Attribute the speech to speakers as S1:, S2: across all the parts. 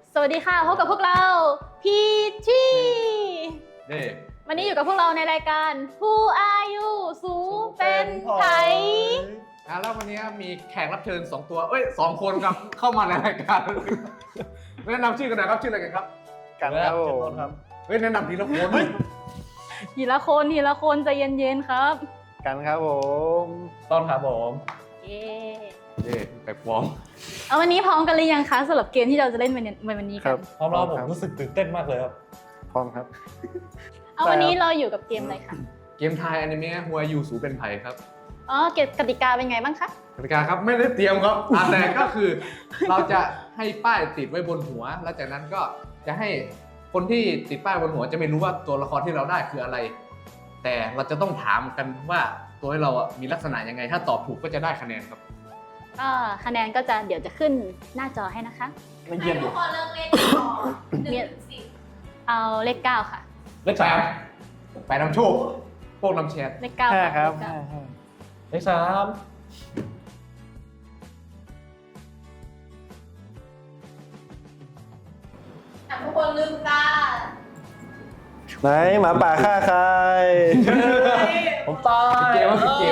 S1: สวัสดีค่ะพบกับพวกเราพีชี
S2: นี่
S1: วันนี้อยู่กับพวกเราในรายการ Who Are You สูเป็นไผ
S2: แล้ววันนี้มีแขกรับเชิญ2ตัว2คนครับ เข้ามาในรายการแนะนำชื่อกันหน่อยครับชื่ออะไรกันครับ
S3: กันครับผม
S2: แนะนำทีละคน
S1: ทีละคนใจเย็นๆครับ
S3: กันครับผม
S4: ต้นครับผม
S1: เย้
S2: นี่แปลกปลอม
S1: เอาวันนี้พร้อมกันหรือยังคะสำหรับเกมที่เราจะเล่นวันนี้
S3: ค
S1: กั
S3: รั
S1: น
S3: บ
S4: พร้อมแล้วผมรู้สึกตื่นเต้นมากเลยครับ
S3: พร้อมครับ
S1: เอาวันนี้เราอยู่กับเกมอะไรคะ
S2: เกมไทยอนิเมะหัวยูสูเป็นไผ่ครับ
S1: อ๋อเกมกติกาเป็นไงบ้างคะ
S2: กติกาครับไม่ได้เตรียมครับแต่ก็คือเราจะให้ป้ายติดไว้บนหัว แล้วจากนั้นก็จะให้คนที่ติดป้ายบนหัวจะไม่รู้ว่าตัวละครที่เราได้คืออะไร แต่เราจะต้องถามกันว่าตัวให้เรามีลักษณะยังไง ถ้าตอบถูกก็จะได้คะแนนครับ
S1: ก็คะแนนก็จะเดี๋ยวจะขึ้นหน้าจอให้นะคะ
S4: ไม่เยี่ยม
S5: ให้
S4: เล
S5: ทุ
S4: ย
S5: กคนเลือกเลขก่อน1 ถึง 10
S1: เอาเลข9ค่ะ
S4: เลขสาม
S2: ไปนำโชคพวกนำแชร์
S1: เลข9
S3: ห้า
S1: ค่ะ
S3: ครับ
S1: เลขเก้า
S4: เลขสาม
S5: ทุกคนลืมตา
S3: ไหนหมาป่าฆ่าใคร
S4: ผมตาย
S2: เกมว่าเกม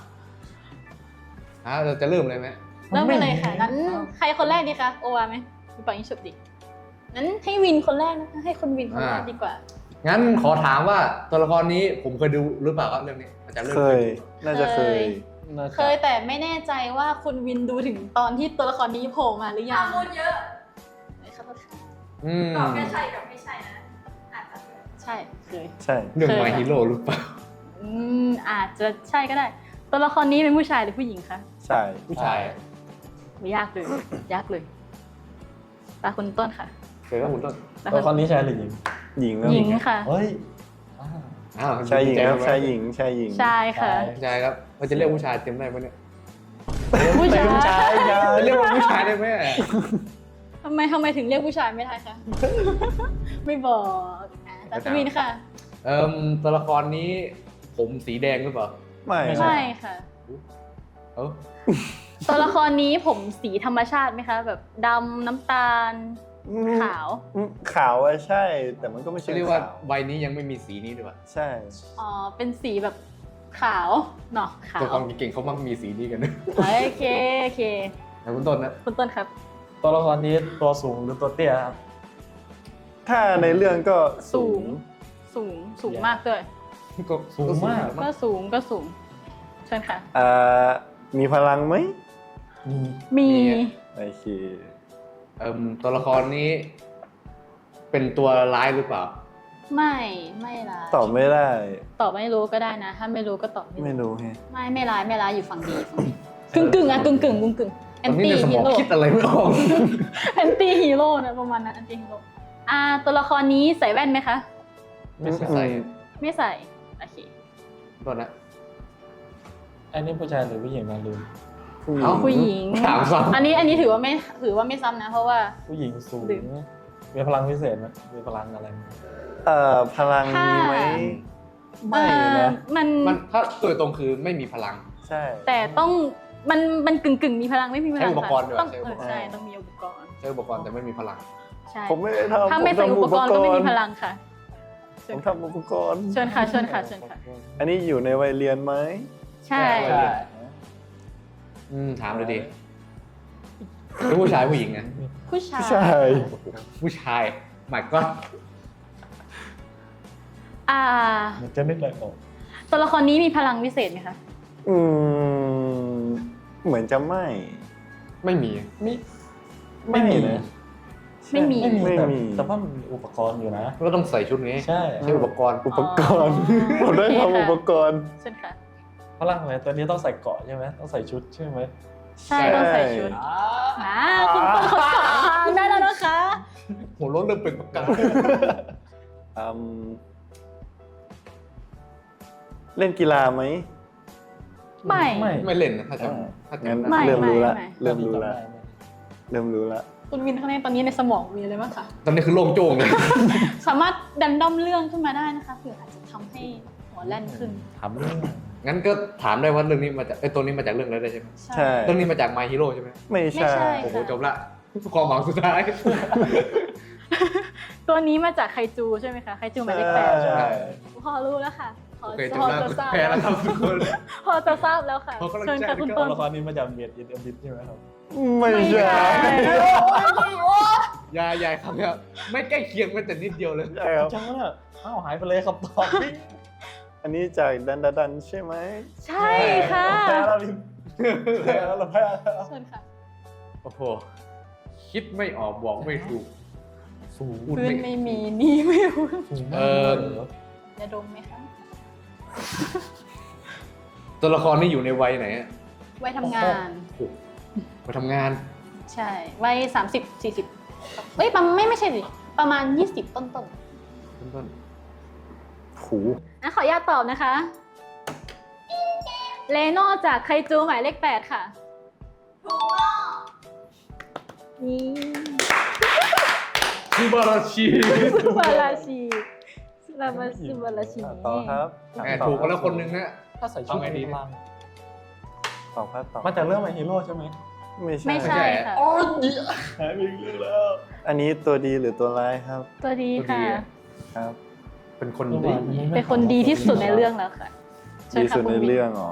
S2: เราจะเริ่มเลยไหม
S1: เริ่มไปเลยค่ะงั้นใครคนแรกดีคะโอวาไหมหรือเปล่ายิงฉุบดิงั้นให้วินคนแรกนะคะให้คนวินคนแรกดีกว่า
S2: งั้นขอถามว่าตัวละครนี้ผมเคยดูหรือเปล่าครับเรื่องนี้อาจารย์เรื่อง
S3: เคย น่าจะเคย
S4: น่า
S1: เค
S4: จะ
S1: ยแต่ไม่แน่ใจว่าคุณวินดูถึงตอนที่ตัวละครนี้โผล่มาหรือยั
S5: ถ้าง พูดเยอะ
S1: ขอโทษค่ะ
S5: ตอบแค่ใช่กับไม่ใช่นะ อาจจะ
S1: ใช่เคย
S3: ใช่
S2: เรื่อง
S1: เคย
S2: My Hero หรือเปล่า
S1: อาจจะใช่ก็ได้ ตัวละครนี้เป็นผู้ชายหรือผู้หญิงคะ
S3: ใช่
S2: ผู้ชาย
S1: ไม่ยากเลย ยากเลยตาคุณต้นค่ะ
S2: เคยว่าคุณต้น
S1: ตา
S4: ตัว
S1: คุ
S4: ค
S1: ณ
S4: นนี้ชายหรือหญิง
S3: หญิงครับ
S1: หญิงค่ะ
S4: เฮ้ย
S2: อ้าว
S3: ชายหญิงครับ
S2: ดีใจ
S3: ชายหญิงชายหญิง
S1: ชายค่ะ
S2: ผู้ชายครับเราจะเรียกผู้ชายเต็มได้ไหมเนี่ย
S1: ผู้ชาย
S4: เป็นชายครับ
S2: จะเรียกว่าผู้ชายได้ไหม
S1: ทำไมถึงเรียกผู้ชายไม่ได้คะ ไม่บอกตาคุณวินค่ะ
S2: ตัวละครนี้ผมสีแดงหรือเปล่า
S3: ไม่
S1: ไม่ค่ะ
S2: เอ้า
S1: ตัวละครนี้ผมสีธรรมชาติไหมคะ แบบดำน้ำตาล ขาว
S3: ขาวอะใช่ แต่มันก็ไม่ใช่
S2: จะเรียกว่า
S3: ขาว
S2: ใบนี้ยังไม่มีสีนี้ด้วย
S3: ใช่
S1: อ๋อ เป็นสีแบบขาวเนาะขา
S2: ตัว
S1: ว
S2: ละครเก่งๆเขามักมีสีนี้กันนะ
S1: โอเค
S2: แต่คุณต้นนะ
S1: คุณต้นครับ
S4: ตัวละครนี้ตัวสูงหรือตัวเตี้ยครับ
S3: ถ้าในเรื่องก็สูง
S1: สูงมากด้วย
S2: ก็
S4: สูงมาก
S1: ก็สูงเชิญค่ะ
S3: มีพลังไหม
S1: มี
S3: โอเค
S2: ตัวละครนี้ เป็นตัวร้ายหรือเปล่า
S1: ไม่ละ
S3: ตอบไม่ได้
S1: ตอบไม่รู้ก็ได้นะ ถ้าไม่รู้ก็ตอบ
S3: ไม่รู้ไง
S1: ไม่ร้ายอยู่ฝั่งดีกึ่งอะกึ่งแอ
S2: ตอน นนี้
S1: ตี้
S2: ในสม
S1: ฮี
S2: อง
S1: โร่
S2: คิดอะไรไม่ออก
S1: แอนตี้ฮีโร่นะประมาณนั้นแอนตี้ฮีโร่ตัวละครนี้ใส่แว่นไหมคะ
S2: ไม่ใส่
S1: ไม่ใส่โอเค
S2: ต้นนะ
S4: อันนี้ผู้ชายหรือผู้หญิงนะลืม
S2: เอ้า
S1: ผู้หญิง
S2: ถามซ้ำ
S1: อันนี้ถือว่าไม่ซ้ำนะเพราะว่า
S4: ผู้หญิงสูง
S1: ลืม
S4: มีพลังพิเศษไหมมีพลังอะไรไหม
S3: พลังมีไหม ไม่นะ
S1: มัน
S2: มันถ้าตัวตรงคือไม่มีพลัง
S3: ใช่
S1: แต่ต้องมันกึ่งมีพลังไม่มีพลัง
S2: ใช้อุปกรณ์ด้วย
S1: ต้อง
S2: ใช้อุปกรณ์
S1: ใช่ต้องมีอุปกรณ์
S2: ใช้อุปกรณ์แต่ไม่มีพลัง
S1: ใช่
S3: ผมไม่ได้ทำ
S1: ถ้าไม่ใส่อุปกรณ์ก็ไม่มีพลังค่ะ
S3: ผมทำอุปกรณ์
S1: เชิญค่ะเชิญค่ะ
S3: อันนี้อยู่ในวัยเรียนไหม
S1: ใช่
S4: ใช่
S2: ถามเลยดิเป็นผู้ชายผู้หญิงนะ
S1: ผู้ชาย
S3: ใช่
S2: ผู้ชายหมายก็
S4: มันจะนึกอะไรออก
S1: ตัวละครนี้มีพลังวิเศษไหมคะ
S3: อืมเหมือนจะไม่
S2: ไม่มี
S3: ไม่มีนะ
S1: ไม่มี
S3: ไม่มี
S4: แต่ว่ามันมีอุปกรณ์อยู่นะ
S2: ก็ต้องใส่ชุดนี้
S4: ใช่
S2: ใช้อุปกรณ์
S3: อุปกรณ์ ผมได้ทำอุปกรณ์
S1: เชิญค่ะ
S4: พลังอะไรตัวนี้ต้องใส่เกราะใช่ไหมต้องใส่ชุดใช่ไหม
S1: ใช่ต้องใส่ชุดคุณต้นเขาสอนทางได้แล้วนะคะ
S2: หัวรถเริ่มเป็นประกาย
S3: อืมเล่นกีฬาไหม
S1: ไม่
S2: ไม่เล่นนะถ้าจะ
S3: งั้น
S1: ไม่
S3: เริ่มรู้ละ
S1: ไม่
S3: เริ่มรู้ละเริ่มรู้ละ
S1: คุณวินข้างในตอนนี้ในสมองมีอะไรบ้างคะ
S2: ตอนนี้คือโล่งโจ้งเลย
S1: สามารถดันด้อมเรื่องขึ้นมาได้นะคะเผื่ออาจจะทำให้หัวแล่นขึ้น
S4: ถามเรื่อง
S2: งั้นก็ถามได้ว่าเรื่องนี้มาจากตัวนี้มาจากเรื่องอะไรได้ใช่ไหม
S3: ใช่
S2: เรื่องนี้มาจาก My Hero ใช่ไหม
S3: ไม่
S1: ไม่
S3: ใช่
S1: ใช่
S2: โอ้โห
S1: ค่ะ
S2: จบละความหวังสุดท้าย
S1: ตัวนี้มาจากไคจูใช่ไหมคะไคจูหมายเลขแปด
S4: ใช่
S1: พอรู้แล้วค่ะพอ
S2: โอเค
S1: พอ
S2: จำได้
S1: จะทราบ
S2: แพ้แล้วครับทุกคน
S1: พอจะทราบแล้วค่ะ
S2: ขอกำลังใจ
S1: เชิญค่ะคุณ
S2: ด้วย
S1: ต้
S4: ตัวน ละครนี้มาจากเบียดอินเอ็มบิทใช่ไหมครับ
S3: ไม่ใช่
S2: ยายครับเนี่ยไม่ใกล้เคียงแม้แต่นิดเดียวเลย
S3: ใช่ครับ
S4: จังวะเนี่ยอ้าวหายไปเลยครับตอบ
S3: อันนี้จากดันใช่ไหม
S1: ใช่ค่ะ
S4: แพ้แล้วพี่แพ้แล้วเราแพ้แล้ว
S1: เชิญค่ะ
S2: โอ้โหคิดไม่ออกบอกไม่ถูก
S4: สูง
S2: พูด
S1: พื้
S2: ไม่
S1: นไม่มีนี่ไม่รู้
S4: สูงมากเลยเหรอ
S1: จะดมไหมคะ
S2: ตัวละครนี่อยู่ในวัยไหนอะ
S1: ไว้ทำงาน
S2: โอ้โหมาทำงาน
S1: ใช่วัย30-40เอ้ยไม่ใช่สิประมาณ20ต้น
S2: ต้น
S3: หู
S1: ๆนะขออนุญาตตอบนะคะเลโน่จากไคจูหมายเลข8ค่ะ
S5: ถูกต้อง
S1: นี่
S2: ซูบาราชิ
S1: ซูบาราชิซูบาราชิ
S3: ต่อครับ
S2: แหมถูกกันแล้วคนนึงนะ
S4: ถ้าใส่ชุด
S2: เอาไงดี
S4: พลัง
S3: ตอบครับตอบ
S4: มาจากเรื่องMy Hero ใช่ไหม
S1: ไม่ใช่ค่ะ
S4: หายไปอีกเรื่องแล้ว
S3: อันนี้ตัวดีหรือตัวร้ายครับ
S1: ตัวดีค่ะ
S3: ครับ
S2: เป็นคนดี
S1: เป็นคนดีที่สุดในเรื่องแล้วค่ะเชิญ
S3: ดี
S1: ค่ะ
S3: สุด
S1: คุณ
S3: ใน
S1: วิน
S3: เรื่องอ๋อ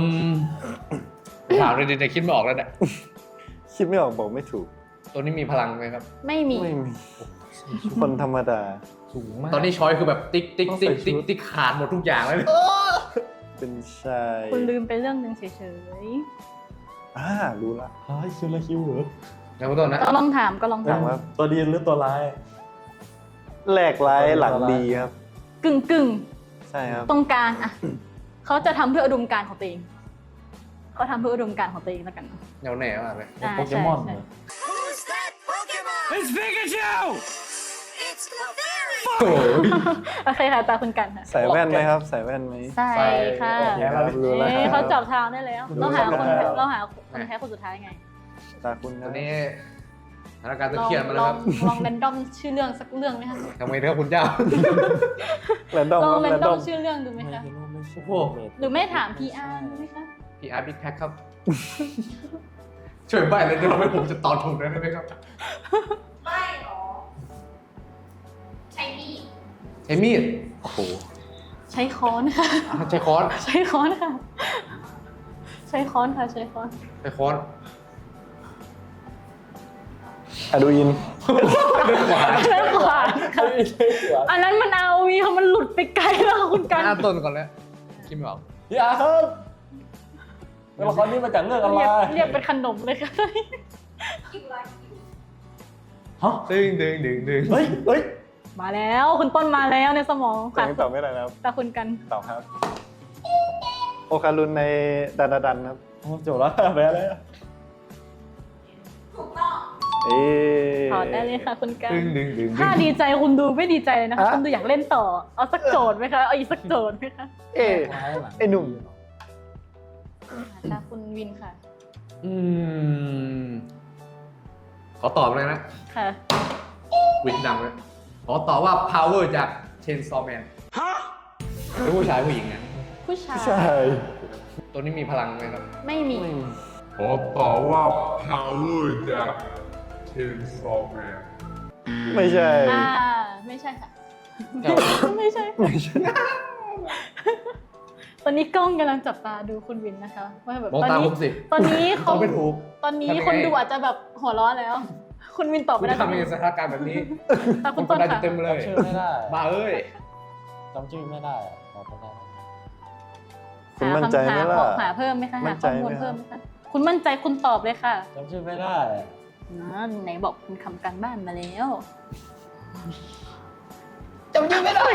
S2: ถามเลยดิแต่คิดไม่ออกแล้วเนี่ย
S3: คิดไม่ออกบอกไม่ถูก
S2: ตัวนี้มีพลังไหมครับ
S1: ไม่มี
S3: ไม่มีคนธรรมดา
S4: สูงมาก
S2: ตอนนี้ช้อยคือแบบติ๊กติ๊กติ๊กติ๊กติ๊กขาดหมดทุกอย่างเลย
S3: เป็นชาย
S1: คุณลืมไปเรื่องหนึ่งเฉย
S3: รู้ละ
S4: เฮ้ยคิวละคิวเหรอ
S2: นะคุณต้นนะ
S1: ๆก็ลองถามก็ลอง
S3: ถา
S1: ถาม ม
S3: ว่า
S4: ตัวดีหรือตัวร้าย
S3: แรกร้ายหลังดีครับ
S1: กึ่ง
S3: ใช่ครับ
S1: ตรงกลางอะเขาจะทำเพื่ออุดมการณ์ของตัวเองเขาทำเพื่ออุดมการณ์ของตัวเองแล้วกัน
S2: แนวแหน่มากเลย
S1: อ่า
S4: โปเกมอน
S1: ใช่
S4: เหรอ
S6: Who's that Pokemon?
S2: It's Pikachu
S6: It's Clefairy!
S2: โอ้โห
S1: โอเคค่ะตาคุณกันค่ะ
S3: ใส่แว่นไหมครับ ใส่แว่นไหม
S1: ใช่ค่ะ
S4: โอเคครับ
S3: รู้แล้ว
S1: เอ้ยเขาจับทางได้แล้ว เราหาคน
S4: รู้แล้ว
S1: เราหาคนแพ้คนสุดท้ายไง
S3: ตาคุณค
S2: ต
S3: รั
S2: อบ นนี้สถานการณ์ตึงเครียดมาแล้วครับ
S1: ลองแรนดอมชื่อเรื่องสักเรื่องไหมคะ
S2: ทำไมนะครับคุณเจ้า
S3: แรนดอม
S1: ลอง
S3: ครับ
S1: แร
S3: แร
S1: น
S3: น
S1: ด
S3: ด
S1: อ
S3: อ
S1: ม
S3: ม
S1: ชื่อเรื่องดูไหมคะ
S2: โอ้โห
S1: หรือไม่ถาม PR ดูไหมคะ
S2: พี่อาร์บิ๊กแพ็คครับ ช่วยใบ้เลยเดี๋ยวไม่ผมจะตอบถูกได้ไหมครับ
S5: ไม่หรอใช้มีด
S2: ใช้มีด
S3: โอ้โห
S1: ใช้ค้อนค่ะ
S2: ใช้ค้อน
S1: ใช้ค้อนค่ะ ใช้ค้อนค่ะ ใช้ค้อน
S2: ใช้ค้อน
S3: อะดูอิน
S2: เดินขวา
S1: ใช้ขวานค่ะ
S4: ไม่ใช่เสือ
S1: อันนั้นมันเอาวีค่ะมันหลุดไปไกลแล้วค่ะคุณกัน
S2: อ่านต้นก่อนแล้วคิดไม่ออก
S4: พี่อาร์ครับตัวละครนี้มาจากเรื่องอะไร
S1: เรียกเป็นขนมเลยค่ะ
S5: คิวไรคิว
S4: ฮะ
S2: ดึงดึงดึงดึง
S4: เฮ้ย
S1: มาแล้วคุณต้นมาแล้วในสมอง
S3: แต่
S1: ค่ะ
S3: ยังตอบไม่ได้นะครับ
S1: ตาคุณกัน
S3: ตอบครับ โอคารุนในดันครับ
S4: โอ้จบแล้วแพ้แล้ว
S5: ถูกต้อง
S3: เอ๊ะ
S1: ถอดได้เลยค่ะคุณกัน
S2: ดึงดึงดึงดึ
S1: ถ้าง ดีใจคุณดูไม่ดีใจเลยนะคะ
S3: ฮะ
S1: คุณดูอยากเล่นต่อ เอาสักโจทย์ไหมคะ เอาอีกสักโจทย์ไหมคะ
S3: เอ๊ะ ไอ้หนุ่ม
S1: ตาคุณวินค่ะ
S2: อืมขอตอบเลยนะ
S1: ค่ะ
S2: วินดังเลยขอตอบว่า power จาก Chainsaw Man เป็นผู้ชายผู้หญิงเนี่ย
S1: ผู้ชาย
S3: ใช่
S2: ตัวนี้มีพลังไหมครับ
S1: ไม่มี
S7: ขอตอบว่า power จาก Chainsaw Man
S3: ไม่ใช่
S1: ไม่ใช่ค่ะ
S2: เจ้า
S1: ไม่ใช่ ตอนนี้กล้องกำลังจับตาดูคุณวินนะคะว่าแบบ
S2: มอง
S1: ตอน
S2: ตา
S1: นี้
S2: ผมสิ
S1: ตอนนี้
S2: ต
S1: เขา
S2: อบไม่ถูก
S1: ตอนนี้
S2: ทำยังไง
S1: คนดูอาจจะแบบหัวเร้อนแล้ว คุณวินตอบ
S2: คุ
S1: ไม่
S2: ณ
S1: ได้
S2: ทำในสถานการณ์แบบนี้
S1: ตา
S2: ผ
S1: คุ
S2: ม
S1: ณ
S2: ก
S1: ต้
S2: ด
S1: น
S2: ดัน
S1: ค่ะ
S2: เต็มเลย
S4: จำชื่อไม่ได้
S2: บ้าเอ้ย
S4: จำชื่อไม่ได้อะตอบไม่ได้
S3: คุณมั่นใจไหมล่ะ
S1: หาเพิ่มไหมคะ
S3: มั่
S1: หาน
S3: ใจ
S1: ข้อ
S3: ไหม
S1: มูล
S3: ครับ
S1: เพิ่มไหมคะคุณมั่นใจคุณตอบเลยค่ะ
S4: จำชื่อไม่ได้อะ
S1: ไหนบอกคุณทำการบ้านมาแล้ว
S2: จำชื่อไม่ได้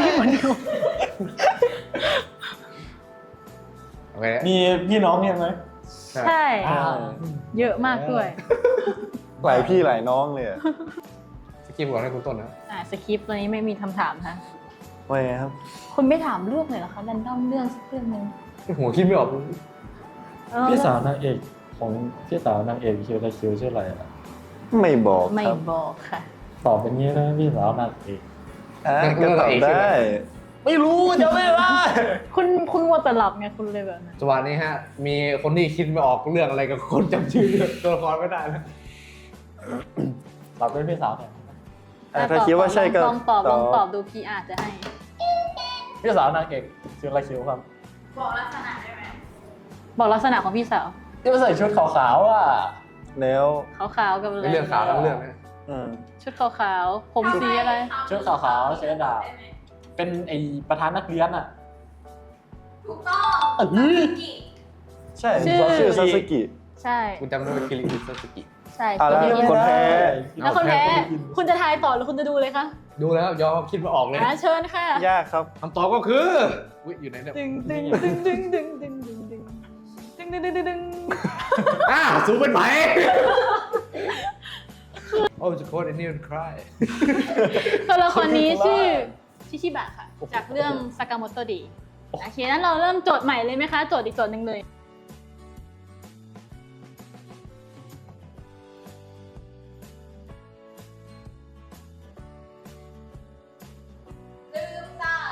S2: โอเค
S4: มีพี่น้องเนี่ยไหม
S1: ใช่
S4: อ่า
S1: เยอะมากด้วย
S3: หลายพี่หลายน้องเลยอะ
S2: สกิปก่อนให้คุณต้นนะ
S1: สคริปต์ตัวนี้ไม่มีคำถามค่ะ
S3: ว่าไงครับ
S1: คุณไม่ถามเรื่องเลยเหรอคะแรนดอมเรื่องสักเรื่องหนึง
S2: หัวคิดไม่ออก
S4: พี่สาวนางเอกของพี่สาวนางเอกคิวตะคิวชื่ออะไรอะ
S3: ไม่บอก
S1: ไม่
S3: ครับ
S1: บอกค่ะ
S4: ตอบเป็นงี้นะพี่สาวนางเอก
S3: ก็ตอบได้
S4: ไม่รู้จำไม่ได้
S1: คุณวัวแต่หลับไงคุณเลยแบบนั้น
S2: จังหวะนี้ฮะ มีคนที่คิดไม่ออกเรื่องอะไรกับคนจำชื่อตัวละครไม่ได้นะ
S4: ตอบเป็นพี่สาวแทน
S3: ถ้าคิดว่าใช่ก็
S1: ลองตอบดูพี่อาจจะให้
S4: พี่สาวนางเอกชื่ออะไรคิวครับ
S5: บอกลักษณะได้ไหม
S1: บอกลักษณะของพี่สาว
S4: ที่มาใส่ชุดขาวๆอ่ะ
S3: แล้ว
S1: ขาวๆกับอะไร
S2: ไม่เรื่องขาวทั้งเรื่องนะ
S1: ชุดขาวๆผมสีอะไร
S4: ชุดขาวๆใช้ดาบ เป็นไอประธานนักเรียนอ่ะ
S5: ถูกต้อง
S4: เอ้ย
S5: กิ
S3: ใช่ชื่อซาสึกิ
S1: ใช่
S2: คุณจำได้ว่าคิริอิซาสึกิ
S1: ใช่
S3: แล้ว
S1: พี่
S3: คนแพ้
S1: แล้วคนแพ้คุณจะทายต่อหรือคุณจะดูเลยคะ
S2: ดูแล้วยอมคิดมาออกเลย
S1: เชิญค่ะ
S3: ยากครับ
S2: คำตอบก็คืออุ๊ยอยู่ไหนเนี่ย
S1: ดึงดึงดึงดึงดึงดึงดึงดึงดึงดึงดึงดึงดึง
S2: สูงเป็นไหมโอ้จะโคตรไอ้นี่มันคลาย
S1: ตัวละครนี้ชื่อชิชิบะค่ะ จากเรื่องซากาโมโตะดีโอเคนั้นเราเริ่มโจทย์ใหม่เลยไหมคะโจทย์อีกโจทย์หนึ่งเลย
S5: ลืมตา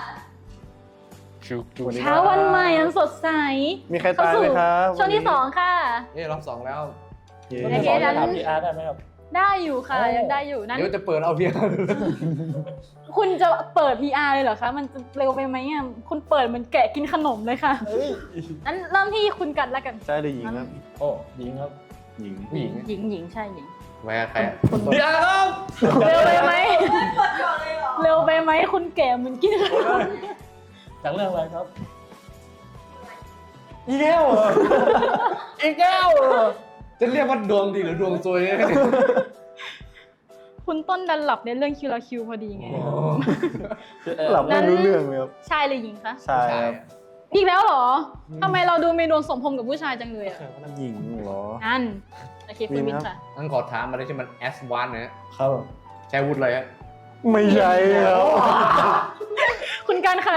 S1: เช้าวันใหม่อันสดใส
S3: มีใครตายไหมครับ
S1: ช่วงที่ 2 ค่ะ
S2: รอบสองแล้ว
S3: เย้
S1: โอ
S4: พี่
S1: เค
S4: สาว
S1: งั้
S4: จะ
S1: น
S4: ถามพี่อาร์ตได้ไหมครับ
S1: ได้อยู่ค่ะยังได้อยู่นั้น
S2: เดี๋ยวจะเปิดเอาเพียง
S1: คุณจะเปิด PR เลยเหรอคะ มันจะเร็วไปไหมอ่ะคุณเปิดเหมันแกะกินขนมเลยค่ะนั้นเริ่มที่คุณกันแล้วกัน
S3: ใช่หรือหญิงครับ
S4: โอ้ยิงครับ
S3: หญิง
S2: ผู้หญิง
S1: หญิงใช่หญิง
S2: แหวกใคร
S1: คุณ
S4: พี่อาร์ตครับ
S1: เร็วไปไหม
S5: กดก่อนเลยเหรอ
S1: เร็วไปไหมคุณแก่เหมือนกินขนม
S4: จากเรื่องอะไรครับอีแก้วเหรออีแก้วเหรอ
S2: จะเรียกว่าดวงดีหรือดวงซวยเนี่ย
S1: คุณต้นดันหลับในเรื่องคิวราคิวพอดีไง
S3: หลับไม่รู้เรื่องเลยครับ
S1: ชายหรือหญิงคะ
S3: ใช่ครับ
S1: อีกแล้วเหรอทำไมเราดูเมนูสมพงษ์กับผู้ชายจังเลยอ่ะ
S3: หญิงเหรอ
S1: นั่นโอเคคุณ
S3: มี
S1: วิน
S3: ไหมครับ
S1: ค่ะ
S2: งั้นขอถามอะไรที่มันแอสวานนะฮะ
S4: ครับ
S2: ใช้วุฒิอะไรฮะ
S3: ไม่ใช่ครับ
S1: คุณกันค่ะ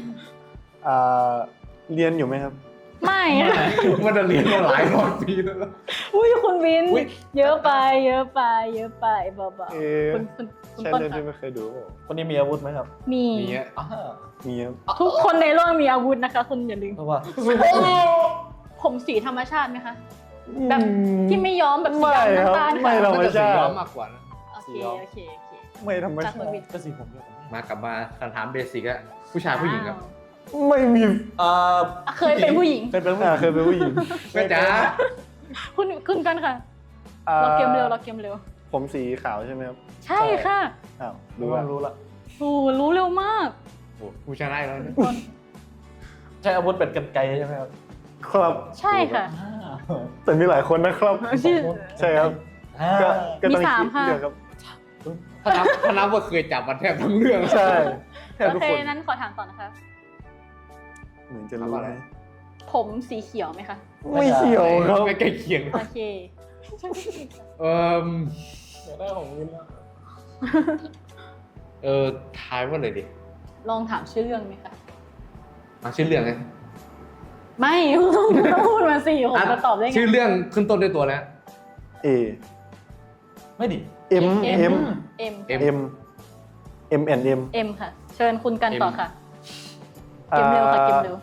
S3: เรียนอยู่ไหมครับ
S1: ไม่ค่ะ
S2: มันจะเรียนมาหลายร้อยปีแล้ว
S1: อุ้ยคุณวิน
S2: อุ๊ย
S1: เยอะไปเบา
S3: เอ๊ะ
S1: ๆคุณ
S3: ใช่
S1: ต้น
S3: เรื่องที่
S1: ค่ะ
S3: ไม่เคยดูเปล่า
S4: คนนี้มีอาวุธไหมครับ
S1: มี
S2: มีฮะ
S3: มีครับ
S1: ทุกคนในโลกมีอาวุธนะคะ คุณอย่าลืม
S4: เพราะว่า
S1: ผมสีธรรมชาติไหมคะ แบบที่ไม่ย้อมแบบสี
S3: ไม่
S1: ดำ
S3: ครับ
S1: น้ำตาล
S3: ไม่
S1: ค่ะ
S3: ธรรม
S2: น่าจะสี
S3: ชา
S2: ย้อ
S3: ติ
S2: มมากกว่านะ
S1: โอเค
S3: ไม่ธรรม
S1: จาก
S3: ชา
S1: คุณ
S3: ติ
S1: วิน
S4: ก็สีผมเดียวกัน
S2: มากลับมาคำถามเบสิกอะผู้ชายผู้หญิงครับ
S3: ไม่มี
S4: อ่า
S1: เคยเป็นผู้หญิง
S4: เคยเป็นผู้หญิง
S3: เคยเป็นผู้หญิง
S2: แม่จ๋า
S1: คุณกันค่ะ เราเกมเร็ว
S3: ผมสีขาวใช่ไหมครับ
S1: ใช่ค่ะ
S3: อ้าว
S4: รู้
S3: รู้
S4: ละ
S3: ละ
S4: รู้ละ
S1: โอ้รู้เร็วมาก
S2: โอ้ผู้ชายได้แล้วนะ
S4: ใช้อาวุธเป็นกรรไกรใช่ไหมครับ
S3: ครับ
S1: ใช่ค่ะ
S3: แต่มีหลายคนนะครับ
S1: ชื่อ
S3: ใช่ครับ ก็ก็ต้อง
S1: มีสาม
S3: คิด
S1: ค่ะ
S3: เรื่องครับ
S2: ถ้านับว่าเคยจับมันแทบทั้งเรื่อง
S3: ใช่แทบ
S1: โอ
S3: ทุก
S1: เค
S3: คน
S1: นั้นขอถามต่อนะคะ
S3: เหมือนจะรู้นะ
S1: ผมสีเขียวไหมคะ
S3: ไม่เขียวครับ
S2: ไม่ใกล้เคียง
S1: โอเค
S2: เออ
S4: อยากได้ของวินแล้ว
S2: ทายว่าเลยดิ
S1: ลองถามชื่อเรื่องไหมคะ
S2: มาชื่อเรื่องไง
S1: ไม่ต้องพูดมาสิผมจะตอบได้ไง
S2: ชื่อเรื่องขึ้นต้นด้วยตัวแล้ว
S3: เอ
S4: ไม่ดิ
S3: เอ็ม
S1: เอ็
S3: เอ็ม
S1: ม
S3: เอ็มเอ็มแอนเอ็ม
S1: เอ็มค่ะ เชิญคุณกันต่อค่ะ เกมเร็วค่ะเกมเร็ว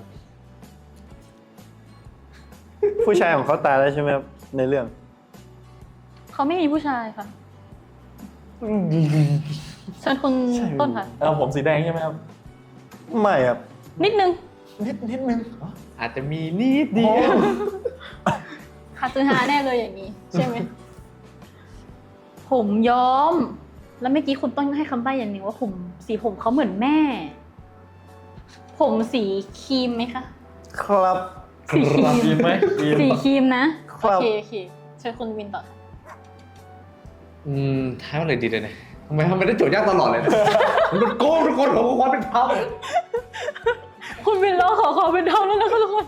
S3: ผู้ชายของเขาตายแล้วใช่ไหมครับในเรื่อง
S1: เขาไม่มีผู้ชายค่ะ เชิญคุณต้นค่ะ
S4: ผมสีแดงใช่ไหมครับ
S3: ไม่ครับ
S1: นิดนึง
S4: นิดนึง
S2: อาจจะมีนิดเดียว
S1: คาซึฮาแน่เลยอย่างนี้ ใช่ไหม ผมย้อม แล้วเมื่อกี้คุณต้นให้คำใบ้อย่างหนึ่งว่าผมสีผมเขาเหมือนแม่ ผมสีครีมไหมคะ
S3: ครับ
S1: สีครีม
S4: ดีไหมดี
S1: สีครีมนะ
S3: ครั
S1: โอบ เคเชิญคุณวินต่อค่ะ
S2: ทายว่าอะไรดีเลยเนี่ยทำไมได้โจทย์ยากตลอดเลยนะมันโกงทุกคนผมความเป็นธรรม
S1: คุณวินเราขอเป็นเท่าแล้วนะคะทุกคน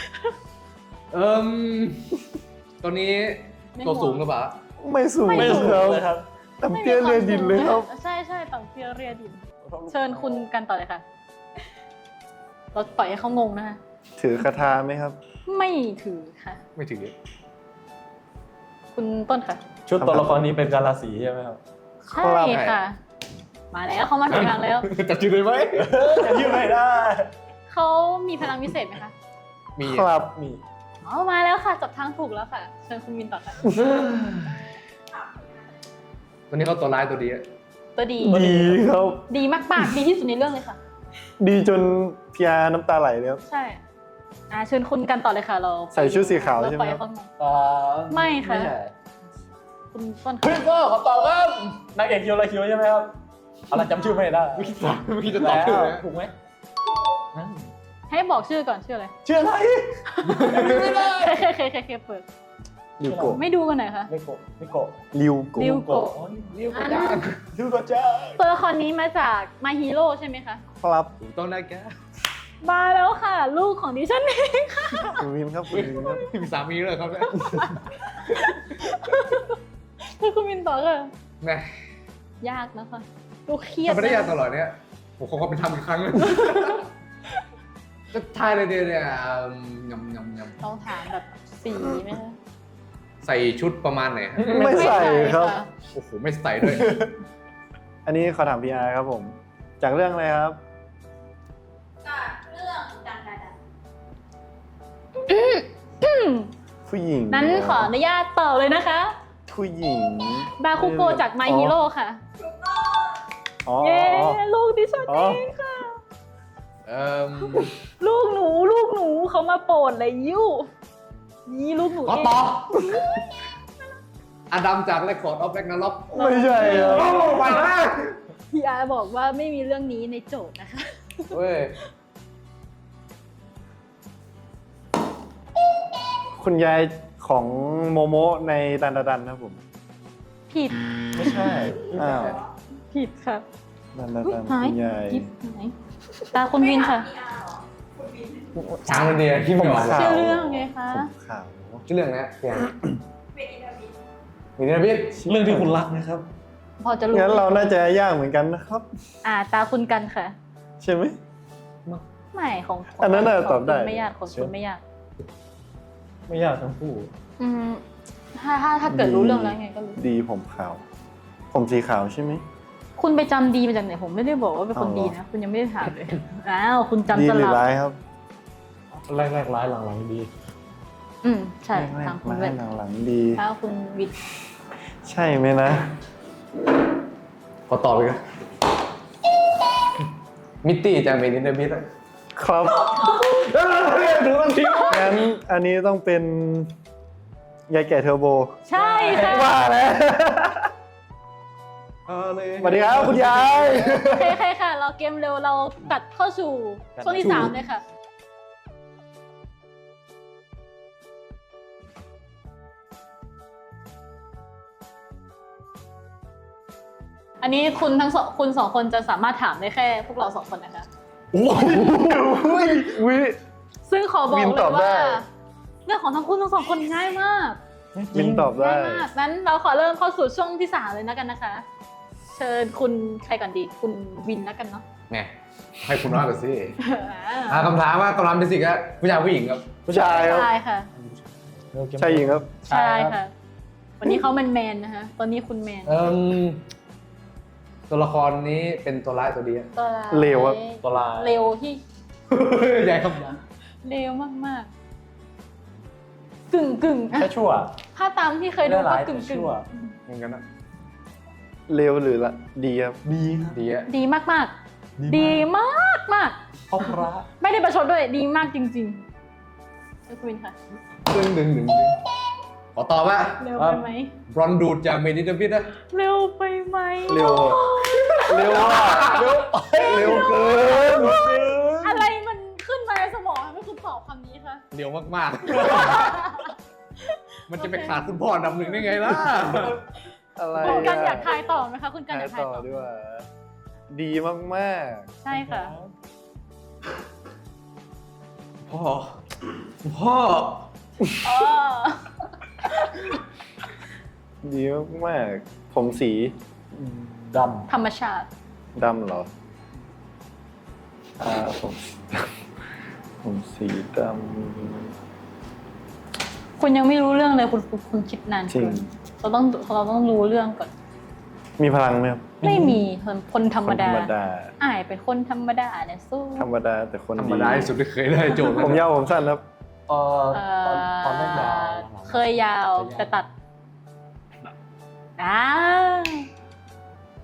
S2: ตอนนี้ตัวสูงหรือเปล่า
S3: ไม่สูง
S1: ไม่สูง
S3: ครับ
S4: เลยครับ
S3: ต่ำเตี้ยเรียดินเลยครับ
S1: ใช่ต่ำเตี้ยเรียดิน เชิญคุณกันต่อเลยค่ะ เราปล่อยให้เขางงนะคะ
S3: ถือคาถาไหมครับ
S1: ไม่ถือค่ะ
S2: ไม่ถึง
S1: คุณต้นค่ะ
S4: ชุดตัวละครนี้เป็นกาลาสีใช่ไหมครับ
S1: ใช่ค่ะ มาแล้วเขามาถึงกลางแล้ว
S2: จับจืดเลยไหม
S4: จะยืดไม่ได้
S1: เขามีพลังวิเศษไหมคะ
S2: มี
S3: ครับ
S4: มี
S1: อ๋อมาแล้วค่ะจับทางถูกแล้วค่ะ เชิญคุณวินต่อค่ะ
S2: ตัวนี้เขาตัวร้ายตัวดีอะ
S1: ตัวดี
S3: ดีครับ
S1: ดีมากๆดีที่สุดในเรื่องเลยค่ะ
S3: ดีจนพีอาน้ำตาไหลเลยครับ
S1: ใช่เชิญคุณกันต่อเลยค่ะเรา
S3: ใส่ชุดสีขาวใช่ไหม
S1: เร
S3: ครับ
S1: ปข้างใน
S4: ไม่
S1: ค่ะ
S4: ใช่
S1: คุณต้น
S4: คริสเปอร์ขอตอบครับนางเอกคิวอะไรคิวใช่ไหมครับอะไรจำชื่อไม่ได้
S2: เมื่อกี้จะตอบชื่อไหม
S4: ถูกไหม
S1: ให้บอกชื่อก่อนชื่ออะไร
S4: ชื่ออะไร
S1: เคเปิด
S3: ริวโกะ
S1: ไม่ดูกันหน่อยค่ะ
S4: ไม่โกะไม่โกะ
S3: ริวโกะ
S1: ริวโกะ
S4: ริวโกะจ้าริวโกะจ้า
S1: ตัวละครนี้มาจาก My Hero ใช่ไหมคะ
S3: ครับ
S2: ถูกต้องได้แก
S1: มาแล้วค่ะ ลูกของดิฉันเอง
S3: คุณวินครับคุณวินครับ
S2: มีสามีเลยครับเนี่ย
S1: คือคุณมินต่อค่ะ
S2: แม่
S1: ยากนะคะดูเครียด
S2: ทำไม่ได้ยากตลอดเนี่ยผมขอเป็นทำอีกครั้งเลยจะทายเลยเดียวเนี่ยยำ
S1: ต้องถามแบบสีไหมคะ
S2: ใส่ชุดประมาณไหนฮะ
S3: ไม่ใส่ครับ
S1: ะ
S2: โอ้โหไม่ใส่ด้วย
S3: อันนี้ขอถามพีอาครับผม จากเรื่องอะไรครับ
S5: จากเรื่องดัง
S3: ผู้หญิง
S1: นั้นขออนุญาตต่อเลยนะคะ
S3: ผู้หญิง
S1: บาคุโกะจาก My Hero ค่ะ
S5: ถูกต้อง
S3: อ๋อ
S1: เย้ลูกดิฉัน
S3: อ๋
S1: เอ
S3: อ
S1: งค่ะ
S2: เอ่อ
S1: ลูกหนูเขามาโปรดเลยยิ้วนี่ลูกหนู
S2: ขอ
S1: เอง
S2: ตอบอดัมจากเรคคอร์ดออฟแร็กนาร็อก
S3: ไม่ใช่ครับ
S2: ไปมาก
S1: พี่อาบอกว่าไม่มีเรื่องนี้ในโจทย์นะคะ
S2: เว้ย
S3: คุณยายของโมโมะในดันดันครับผม
S1: ผิด
S4: ไม่ใช่
S3: อ้าว
S1: ผิดค่ะ
S3: ดันดัน
S1: หาย
S3: คุณยาย
S1: กิ๊บหายตาคุณวินค่ะ
S2: ช้างมันเดียที่ไม่ออก
S3: ขาว
S1: ชื่อเรื่องไงคะ
S3: ผมขาว
S2: ชื่อเรื่องนะเนี่ย
S5: เป็นอินเทอร์วิว
S2: มีนะพี่
S4: เรื่องที่คุณรักนะครับ
S1: พอจะรู้
S3: งั้นเราน่าจะยากเหมือนกันนะครับ
S1: ตาคุณกันค่ะ
S3: ใช่ไหม
S1: ไม่ของ
S3: อันนั้นน่ะ
S1: ขง
S3: ตอบได้
S1: คุณไม่ยากของคุณไม่ยาก
S4: ไม่ยากทั้งคู่
S1: อืมถ้าเกิดรู้เรื่องแล้วไงก็รู้
S3: ดีผมขาว ผมสีขาวใช่ไหม
S1: คุณไปจำดีมาจากไหนผมไม่ได้บอกว่าเป็นคน
S3: เอาเหรอ
S1: ดีนะ คุณยังไม่ได้ถามเลย อ้าวคุณจำ
S3: ดี
S1: ส
S3: หรือ
S1: ลับ
S3: ร้ายครับ
S4: แรกร้ายหลังดี
S1: ใช่
S3: แร
S1: ทาง
S3: ก
S1: คุณ
S3: ร้า
S1: เวย ท
S3: หลังๆดี
S1: ถ้าคุณวิทย์
S3: ใช่ไหมนะ
S2: ขอตอบไปกันมิตตี้จากเมนินเดอร์บิท
S3: ครับ
S2: ดูมันทิ้ง
S3: งั้นอันนี้ต้องเป็นยายแก่เทอร์โบ
S1: ใช่ค่ะ
S3: ว่าแล้วสวัสดีครับคุณยาย
S1: โอเคค่ะ เราเกมเร็วเราตัดเข้าสู่ช่วงที่ 3 เลยค่ะ อันนี้คุณทั้งสองคุณ2 คนจะสามารถถามได้แค่พวกเรา2 คนนะคะ
S3: วิ
S1: ซึ่งขอบอก
S3: วิน
S1: เล
S3: ตอย บได้
S1: ว่า เรื่องของทั้งคุณทั้ง 2 คนง่ายมาก
S3: วินตอบได้
S1: ง่ายมากนั้นเราขอเริ่มเข้าสู่ช่วงที่ 3 เลยนะกันนะคะ เชิญคุณใครก่อนดี คุณวินแล้วกันเนาะ
S2: ไงให้คุณว่าไปสิคำถามว่ากำลังเป็นสิ่งครับผู้ชายผู้หญิงครับ
S3: ผู้ชายครับ
S1: ใช่ค่ะ
S3: ชายหญิงครับ
S1: ใช่ค่ะ วันนี้เขาแมนๆนะคะ ตอนนี้คุณแมน
S2: ตัวละครนี้เป็นตัวร้ายตัวดีอะ
S1: ตัวร้าย
S3: เลวครับ
S4: ตัวลาย
S1: เร็วที่
S2: ใหญ่ครับ
S1: เร็วมากๆ กึ่งๆอะ
S4: แค่ชั่ว
S1: ถ้าตามที่เคยดู
S4: เรื่อง
S1: ก็
S4: ร้าย
S1: กึ่ง
S4: แต่ชั่ว
S2: เหมือนกันนะ
S3: เลวหรือละดีครับ
S4: ดีครับ
S2: ดีอะ
S1: ๆ ดีมากๆ ดีมาก
S4: เพราะพระ
S1: ๆ ไม่ได้ประชดด้วย ดีมากจริงๆคุณวินค่ะ
S2: ดึงขอตอบว่า
S1: เร็วไปไหม
S2: บรอนดูดจากเมนินเดอร์บิทนะ
S1: เร็วไปไหม
S3: เร็วอะเร็วอ่ะเร็วเกิน
S1: อะไรมันขึ้นมาในสมองทำให้คุณตอบคำนี้คะ
S2: เร็วมากๆ มันจะไปขาดคุณพ่ออันดับ 1ได้ไงล่ะ
S3: อะไร
S1: คุณกันอยากทายต่อไหมคะ คุณกัน
S3: ทา
S1: อย ยากทาย
S3: ต่อ
S1: ต่อ
S3: ด้วย ดีมาก
S1: ใช่ค่ะ
S2: พ่อ
S1: อ๋อ
S3: ๆ ดีมากๆ ผมสี
S4: ด
S1: ธรรมชาติ
S3: ดำเหรอ ผมผมสีด
S1: คุณยังไม่รู้เรื่องเลยคุณคิดนาน
S3: จริ
S1: เกิ
S3: ง
S1: นเราต้องรู้เรื่องก่อน
S3: ำมีพลังไหมครับ
S1: ไม่มีคนธรรม
S3: คนธ
S1: ดาร
S3: รมดา
S1: อ่ายเป็นคนธรรมดาเนี่ยสู้
S3: ธรรมดาแต่คน
S2: ธรรม
S3: ดี
S2: ดาที่สุดที่เคยได้โจทย์
S3: ผมยาวผมสั้นครับ
S4: ำตอนนั้นยาว
S1: เคยยาวแต่ตัด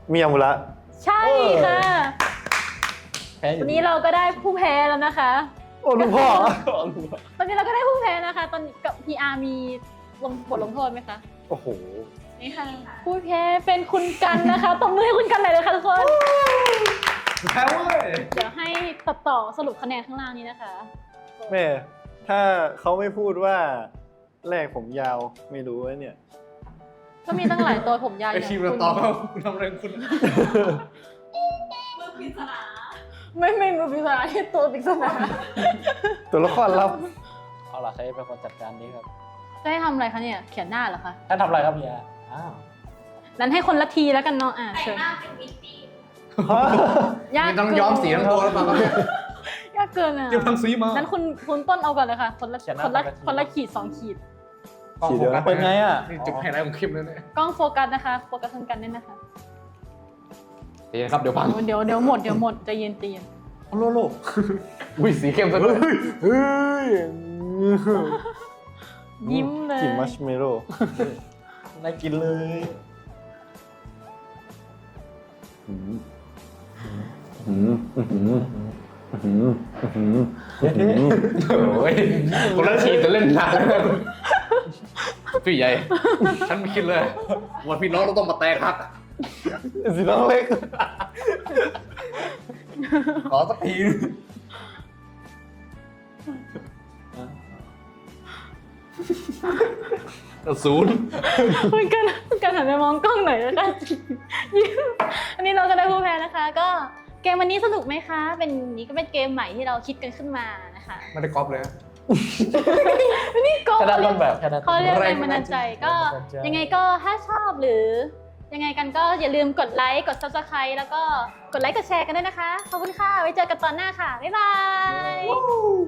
S3: มิยามุระ
S1: ใช่ค่ะ
S4: แพ้อยู่
S1: วันนี้เราก็ได้ผู้แพ้แล้วนะคะ
S3: โอ้ลูกพ่อ
S1: ตอนนี้เราก็ได้ผู้แพ้นะคะ ตอนนี้กับ PR มีบทลงโทษไหมคะ
S3: โอ้โห
S1: นี่ค่ะ ผู้แพ้เป็นคุณกันนะคะตบมือให้คุณกันหน่อยเลยค่ะทุกคน
S2: แพ้เว้ย
S1: เดี๋ยวให้ตัดต่อสรุปคะแนนข้างล่างนี้นะคะ
S3: แม่ ถ้าเขาไม่พูดว่าแรกผมยาวไม่รู้ว่าเนี่ย
S1: ก็มีตั้งหลายตัวผมยาวอ
S2: ไอย่าง ทีมเรา
S1: คุณ
S2: ตอบว่าคุณทำอะไรคุณ
S5: มือปริศนา
S1: ไม่มือปริศนาที่ตัวปริศนา
S3: ตัวละครลับ
S4: เอาล่ะใครเป็นคนจัดการนี้ครับ
S1: จะให้ทำอะไรคะเนี่ย เขียนหน้าเหรอคะ
S4: ท่านทำอะไรครับเฮียอ้าว
S1: นั้นให้คนละทีแล้วกันเนาะ
S5: แต่ง
S1: เชิญ
S5: หน้าเป็นมิตตี้
S1: ยาก
S2: ไม่ต้องย้อมสีทั้งตัวแล้วเปล่าครับเนี่ย
S1: ยากเกินอ่ะ
S2: เก็บทั้งสีมา
S1: นั้นคุณต้นเอาก่อนเลยค่ะ คนละขีดสองขีด
S2: กล้อง
S3: สี
S2: โฟ
S3: เดียว
S2: กั
S3: นะ
S2: ส
S4: เป็นไงอ่ะ
S2: นี่จุดไฮไลท์ของคลิปเลยเนี่ย
S1: กล้องโฟกัสนะคะ โฟกัสคุณกันด้วยนะคะ
S2: เดี๋ยวครับเดี๋ยวพัง
S1: เดี๋ยวหมดใจเย็นใจเย็น
S2: โลโลอุ้ยสีเข้มซะด้วย
S3: เฮ้ย
S1: ยิ้มเลย
S3: กลิ่นมัชเมโล่
S4: น่ากินเลย
S2: โอ้ยคนละทีมจะเล่นนานแล้วพี่ใหญ่ ฉันไม่คิดเลยว่าพี่น้องเราต้องมาแตกหัก
S3: สีน้องเล็ก
S2: ขอสักที ศูนย์
S1: คุณกันหันไปมองกล้องหน่อยแล้วกันยิ้มอันนี้เราก็ได้ผู้แพ้นะคะ ก็เกมวันนี้สนุกไหมคะเป็นนี้ก็เป็นเกมใหม่ที่เราคิดกันขึ้นมานะคะ
S2: ไม่ได้ก๊อปเลย
S1: นี่ก็
S4: แค่นั้นต้นแบบแค่นั้น
S1: เขาเรียกแรงบันดาลใจก็ยังไงก็ถ้าชอบหรือ ยังไงกันก็อย่าลืมกดไลค์กด Subscribe แล้วก็กดไลค์กดแชร์กันด้วยนะคะขอบคุณค่ะไว้เจอกันตอนหน้าค่ะบ๊ายบาย